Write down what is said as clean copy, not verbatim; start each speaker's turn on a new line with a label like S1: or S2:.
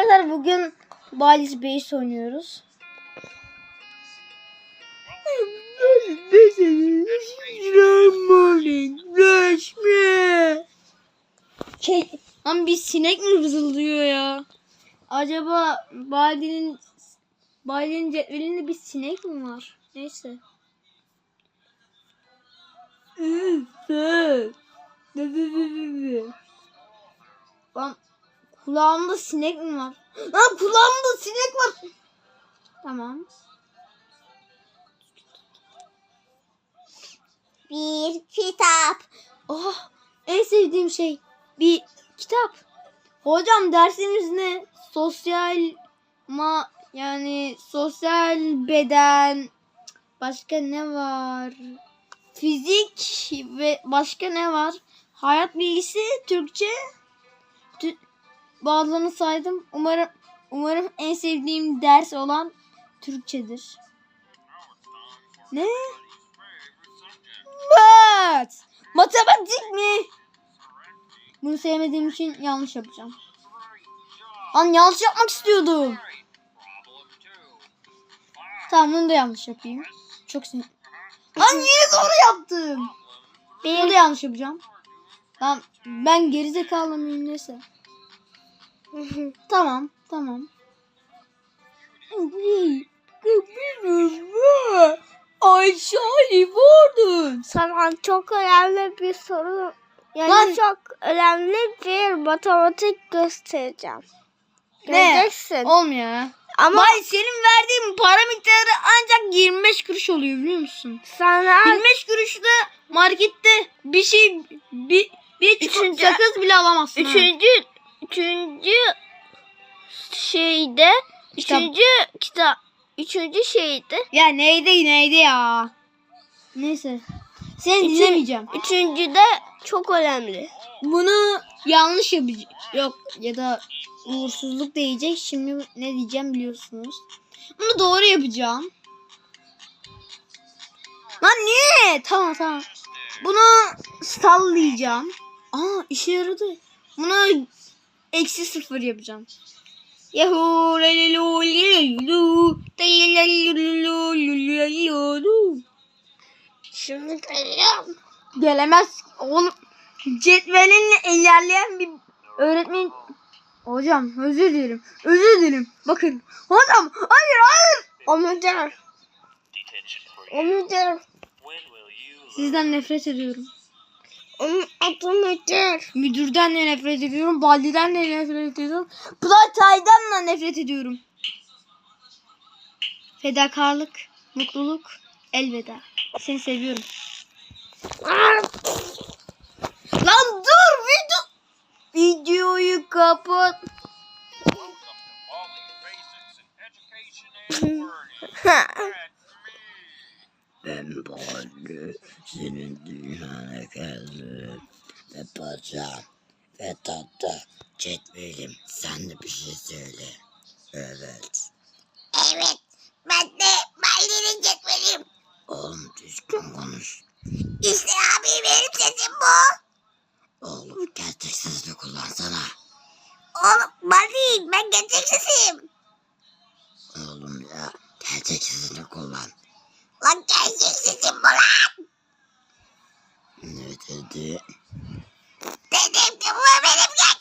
S1: Arkadaşlar bugün Baldi's Base oynuyoruz. Lan bir sinek mi vızıldıyor ya? Acaba Baldi'nin cetvelinde bir sinek mi var? Neyse. Lan kulağımda sinek mi var? Lan kulağımda sinek var. Tamam.
S2: Bir kitap.
S1: Oh, en sevdiğim şey bir kitap. Hocam dersimiz ne? Yani sosyal beden. Başka ne var? Fizik ve başka ne var? Hayat bilgisi, Türkçe. Bazılarını saydım. Umarım en sevdiğim ders olan Türkçedir. Ne? Math. Matematik mi? Bunu sevmediğim için yanlış yapacağım. Lan yanlış yapmak istiyordum. Tamam bunu da yanlış yapayım. Çok sinir. Lan yine doğru yaptım. Bunu da yanlış yapacağım. Tamam ben gerizekalı mıyım neyse. Tamam. Ayşe vurdun.
S2: Sana çok önemli bir soru. Yani
S1: Lan.
S2: çok önemli bir matematik göstereceğim.
S1: Ne?
S2: Göreceksin.
S1: Olmuyor.
S2: Ama
S1: Vay senin verdiğin para miktarı ancak 25 kuruş oluyor biliyor musun?
S2: sana
S1: 25 kuruşta markette bir
S2: Üçüncü-
S1: sakız bile alamazsın.
S2: üçüncü şeyde üçüncü şeyde
S1: Ya neydi ya? Neyse. Seni dinlemeyeceğim.
S2: üçüncüde çok önemli.
S1: Bunu yanlış yapacağım. Yok ya da uğursuzluk diyecek. Şimdi ne diyeceğim biliyorsunuz. Bunu doğru yapacağım. Lan niye? Tamam. Bunu sallayacağım. Aa işe yaradı. Bunu -0 yapacağım. Yahoo.
S2: Şimdi geliyorum.
S1: Gelemez. Oğlum cetvelinle ilerleyen bir öğretmen. Hocam özür dilerim. Bakın. Hocam hayır.
S2: Omuzlar.
S1: Sizden nefret ediyorum.
S2: Onun adı nedir?
S1: Müdürden de nefret ediyorum. Baldi'den de nefret ediyorum. Playtay'dan da nefret ediyorum. Fedakarlık, mutluluk, elveda. Seni seviyorum. Lan dur videoyu kapat.
S3: Ben Baldi, senin dünyana geldim ve bacağım ve tatlı cetvelim. Sen de bir şey söyle. Evet.
S2: Evet. Ben de Baldi'nin cetvelim.
S3: Oğlum düzgün konuş.
S2: İşte abi benim sesim bu.
S3: Oğlum gerçek sesini kullansana.
S2: Oğlum Baldi ben gerçek sesim.
S3: Oğlum ya gerçek sesini kullan.
S2: Lan gerçek sesim bu lan.
S3: Ne dedi?
S2: Dedim ki bu benim gerçek